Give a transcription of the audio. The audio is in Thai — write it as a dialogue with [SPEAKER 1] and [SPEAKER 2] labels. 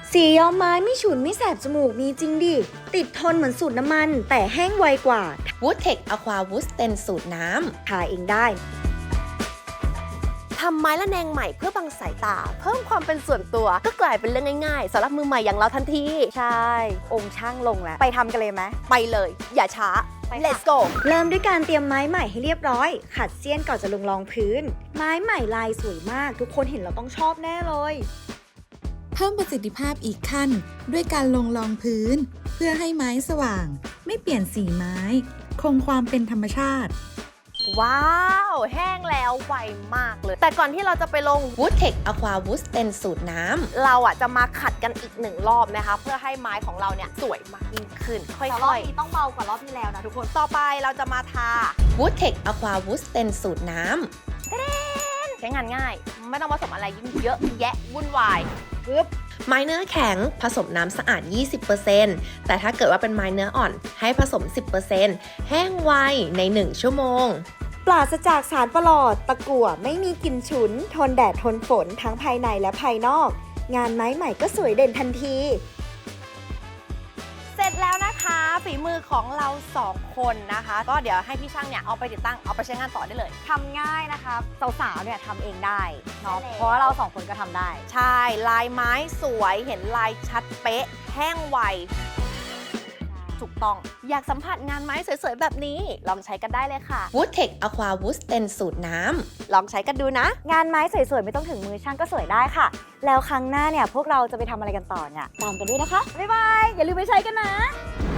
[SPEAKER 1] สีย้อมไม้ไม่ฉุนไม่แสบจมูกมีจริงดิ ติดทนเหมือนสูตรน้ำมันแต่แห้งไวกว่า
[SPEAKER 2] Woodtech Aqua Wood Stain สูตรน้ำ
[SPEAKER 1] ทาเองได้
[SPEAKER 3] ทำไม้ละแนงใหม่เพื่อบังสายตา เพิ่มความเป็นส่วนตัวก็กลายเป็นเรื่องง่ายๆสำหรับมือใหม่อย่างเราทันที
[SPEAKER 4] ใช่ องค์ช่างลงแล้ว ไปทำกันเลยไหม
[SPEAKER 3] ไปเลย อย่าช้า let's go
[SPEAKER 1] เริ่มด้วยการเตรียมไม้ใหม่ให้เรียบร้อย ขัดเสี้ยนก่อนจะลงรองพื้น ไม้ใหม่ลายสวยมาก ทุกคนเห็นแล้วต้องชอบแน่เลย
[SPEAKER 5] เพิ่มประสิทธิภาพอีกขั้นด้วยการลงรองพื้น เพื่อให้ไม้สว่าง ไม่เปลี่ยนสีไม้ คงความเป็นธรรมชาติ
[SPEAKER 3] ว้าวแห้งแล้วไวมากเลย แต่ก่อนที่เราจะไปลง
[SPEAKER 2] Woodtech Aqua Wood Stain สูตรน้ำ
[SPEAKER 3] เราจะมาขัดกันอีก1รอบนะคะเพื่อให้ไม้ของเราเนี่ยสวยมากยิ่งขึ้น ค่
[SPEAKER 4] แต่รอบ
[SPEAKER 3] อย
[SPEAKER 4] นี้ต้องเบากว่ารอบที่แล้วนะทุกคน
[SPEAKER 3] ๆ ต่อไปเราจะมาทา
[SPEAKER 2] Woodtech Aqua Wood Stain สูตรน้
[SPEAKER 3] ใช้งานง่าย ไม่ต้องผสมอะไรยิ่งเยอะแยะวุ่นวาย
[SPEAKER 2] ำไม้เนื้อแข็งผสมน้ำสะอาด 20% แต่ถ้าเกิดว่าเป็นไม้เนื้ออ่อนให้ผสม 10% แห้งไวใน 1 ชั่วโมง
[SPEAKER 1] ปราศจากสารประหลอด ตะกั่วไม่มีกลิ่นฉุน ทนแดดทนฝนทั้งภายในและภายนอก งานไม้ใหม่ก็สวยเด่นทันที
[SPEAKER 3] เสร็จแล้วนะคะฝีมือของเรา2คนนะคะ ก็เดี๋ยวให้พี่ช่างเนี่ยเอาไปติดตั้งเอาไปใช้งานต่อได้เลย
[SPEAKER 4] ทำง่ายนะคะสาวๆเนี่ยทำเองได้เนาะ
[SPEAKER 3] ใช่แล้ว
[SPEAKER 4] เพราะว่าเราสองคนก็ทำได้
[SPEAKER 3] ใช่ลายไม้สวยเห็นลายชัดเป๊ะ แห้งไว ถูกต้องอยากสัมผัสงานไม้สวยๆแบบนี้ ลองใช้กันได้เลยค่ะ
[SPEAKER 2] Woodtech Aqua Wood Stain สูตรน้ำ
[SPEAKER 3] ลองใช้กันดูนะ
[SPEAKER 4] งานไม้สวยๆ ไม่ต้องถึงมือช่างก็สวยได้ค่ะ แล้วครั้งหน้าเนี่ยพวกเราจะไปทำอะไรกันต่อเนี่ยตามกันด้วยนะคะ บ๊ายบาย อย่าลืมไปใช้กันนะ